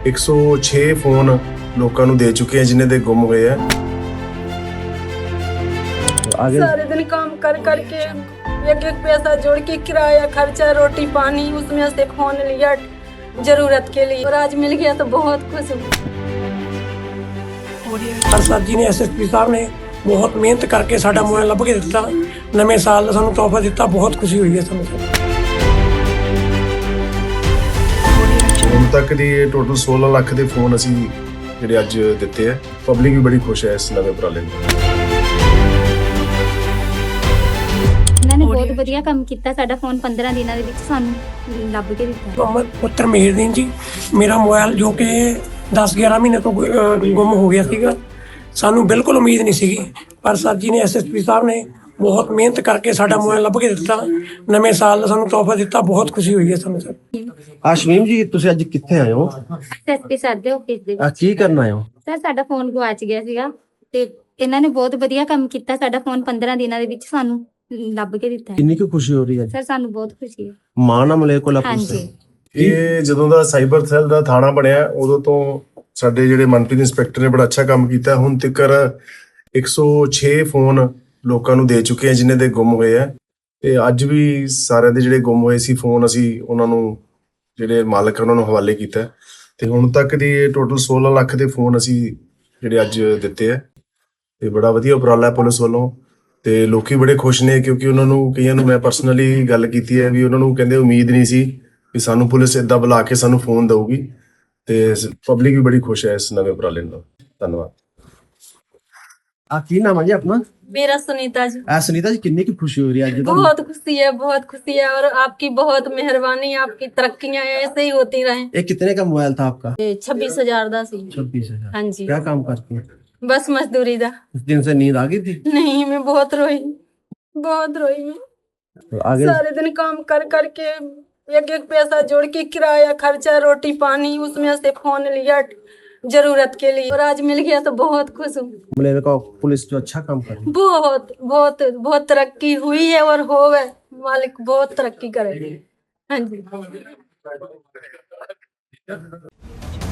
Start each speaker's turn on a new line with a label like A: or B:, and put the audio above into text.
A: 106 phone ਲੋਕਾਂ ਨੂੰ ਦੇ ਚੁੱਕੇ हैं जिन्हें दे गुम हुए हैं।
B: आगे
C: सारे दिन काम कर करके एक एक पैसा जोड़ के किराया खर्चा रोटी पानी उसमें से फोन लिया जरूरत के लिए और आज मिल गया तो बहुत खुश हूँ।
D: सर जी ने SSP साहब ने बहुत मेहनत करके साडा मोबाइल लभ के दिता, नवे साल ਦਾ ਸਾਨੂੰ ਤੋਹਫਾ ਦਿੱਤਾ, ਬਹੁਤ ਖੁਸ਼ੀ ਹੋਈ ਹੈ ਸਾਨੂੰ।
A: ਹੁਣ ਤੱਕ ਦੀ ਟੋਟਲ 16 ਲੱਖ ਦੇ ਫੋਨ ਅਸੀਂ ਜਿਹੜੇ ਅੱਜ ਦਿੱਤੇ ਆ। ਪਬਲਿਕ ਵੀ ਬੜੀ ਖੁਸ਼ ਹੈ ਇਸ ਨਵੇਂ ਉਪਰਾਲੇ ਨਾਲ।
E: ਇਹਨਾਂ ਨੇ ਬਹੁਤ ਵਧੀਆ ਕੰਮ ਕੀਤਾ। ਸਾਡਾ ਫੋਨ 15 ਦਿਨਾਂ ਦੇ ਵਿੱਚ ਸਾਨੂੰ ਲੱਭ ਕੇ ਦਿੱਤਾ।
D: ਮੁਹੰਮਦ ਪੁੱਤਰ ਮੇਹਰਦੀਨ ਜੀ, ਮੇਰਾ ਮੋਬਾਈਲ ਜੋ ਕਿ 10-11 ਮਹੀਨੇ ਤੋਂ ਗੁੰਮ ਹੋ ਗਿਆ ਸੀਗਾ, ਸਾਨੂੰ ਬਿਲਕੁਲ ਉਮੀਦ ਨਹੀਂ ਸੀਗੀ, ਪਰ ਸਰ ਜੀ ਨੇ SSP ਸਾਹਿਬ ਨੇ ਬਹੁਤ ਮਿਹਨਤ ਕਰਕੇ ਸਾਡਾ ਮੋਬਾਈਲ ਲੱਭ ਕੇ ਦਿੱਤਾ, ਨਵੇਂ ਸਾਲ ਦਾ ਸਾਨੂੰ ਤੋਹਫਾ ਦਿੱਤਾ, ਬਹੁਤ ਖੁਸ਼ੀ ਹੋਈ ਹੈ ਸਾਨੂੰ। ਸਰ
B: ਆਸ਼ਮੀਮ ਜੀ, ਤੁਸੀਂ ਅੱਜ ਕਿੱਥੇ ਆਏ ਹੋ?
E: SSP ਸਰ ਦੇ ਆਫਿਸ ਦੇ
B: ਆ
E: ਵਿੱਚ।
B: ਕੀ ਕਰਨ ਆਏ ਹੋ?
E: ਸਰ ਸਾਡਾ ਫੋਨ ਗਵਾਚ ਗਿਆ ਸੀਗਾ ਤੇ ਇਹਨਾਂ ਨੇ ਬਹੁਤ ਵਧੀਆ ਕੰਮ ਕੀਤਾ। ਸਾਡਾ ਫੋਨ 15 ਦਿਨਾਂ ਦੇ ਵਿੱਚ ਸਾਨੂੰ ਲੱਭ ਕੇ ਦਿੱਤਾ।
B: ਕਿੰਨੀ ਕੁ ਖੁਸ਼ੀ ਹੋ ਰਹੀ ਹੈ?
E: ਸਰ ਸਾਨੂੰ ਬਹੁਤ ਖੁਸ਼ੀ ਹੈ।
B: ਮਾਣ ਆ ਮਲੇਰਕੋਟਲਾ ਪੁਲਿਸ
E: ਹਾਂਜੀ।
B: ਤੇ।
A: ਇਹ ਜਦੋਂ ਦਾ ਸਾਈਬਰ ਸੈੱਲ ਦਾ ਥਾਣਾ ਬਣਿਆ ਉਦੋਂ ਤੋਂ ਸਾਡੇ ਜਿਹੜੇ ਮਨਪ੍ਰੀਤ ਇੰਸਪੈਕਟਰ ਨੇ ਬੜਾ ਅੱਛਾ ਕੰਮ ਕੀਤਾ। ਹੁਣ ਤੱਕ 106 ਫੋਨ ਲੋਕਾਂ ਨੂੰ ਦੇ ਚੁੱਕੇ हैं ਜਿਨ੍ਹਾਂ ਦੇ ਗੁੰਮ ਹੋਏ ਆ, ਤੇ ਅੱਜ ਵੀ ਸਾਰਿਆਂ ਦੇ ਜਿਹੜੇ ਗੁੰਮ ਹੋਏ ਸੀ ਫੋਨ ਅਸੀਂ ਉਹਨਾਂ ਨੂੰ ਜਿਹੜੇ ਮਾਲਕ ਉਹਨਾਂ ਨੂੰ ਹਵਾਲੇ ਕੀਤਾ, ਤੇ ਹੁਣ ਤੱਕ ਦੀ ਟੋਟਲ 16 ਲੱਖ ਦੇ ਫੋਨ ਅਸੀਂ ਜਿਹੜੇ ਅੱਜ ਦਿੱਤੇ ਆ। ਤੇ ਬੜਾ ਵਧੀਆ ਉਪਰਾਲਾ ਹੈ ਪੁਲਿਸ ਵੱਲੋਂ, ਤੇ ਲੋਕੀ ਬੜੇ ਖੁਸ਼ ਨੇ ਕਿਉਂਕਿ ਉਹਨਾਂ ਨੂੰ ਕਈਆਂ ਨੂੰ ਮੈਂ ਪਰਸਨਲੀ ਗੱਲ ਕੀਤੀ ਹੈ ਵੀ ਉਹਨਾਂ ਨੂੰ ਕਹਿੰਦੇ ਉਮੀਦ ਨਹੀਂ ਸੀ ਵੀ ਸਾਨੂੰ ਪੁਲਿਸ ਏਦਾਂ ਬੁਲਾ ਕੇ ਸਾਨੂੰ ਫੋਨ ਦਊਗੀ, ਤੇ ਪਬਲਿਕ ਵੀ ਬੜੀ ਖੁਸ਼ ਹੈ ਇਸ ਨਵੇਂ ਉਪਰਾਲੇ ਨਾਲ। ਧੰਨਵਾਦ।
B: ਆ ਕੀ ਨਾਮ ਹੈ ਜੀ ਆਪਣਾ?
C: मेरा सुनीता जी।
B: ਸੁਨੀਤਾ ਜੀ, ਕਿੰਨੀ ਕੁ ਖੁਸ਼ੀ ਹੋ ਰਹੀ ਹੈ ਅੱਜ?
C: बहुत खुशी है और आपकी बहुत मेहरबानी, आपकी तरक्कियां ऐसे ही होती रहें।
B: ये कितने का मोबाइल था आपका?
C: 26,000 दा सी।
B: 26,000।
C: हाँ जी।
B: क्या काम करती हैं?
C: बस मजदूरी दा।
B: उस दिन से नींद आ गई थी?
C: नहीं मैं बहुत रोई मैं।
B: तो आगे
C: सारे दिन काम कर करके एक एक पैसा जोड़ के किराया खर्चा रोटी पानी उसमें से फोन लिया जरूरत के लिए और आज मिल गया तो बहुत खुश हूँ।
B: मलेरकॉटला पुलिस जो अच्छा काम कर रही है।
C: बहुत बहुत बहुत तरक्की हुई है और होवे, मालिक बहुत तरक्की करे। हाँ जी।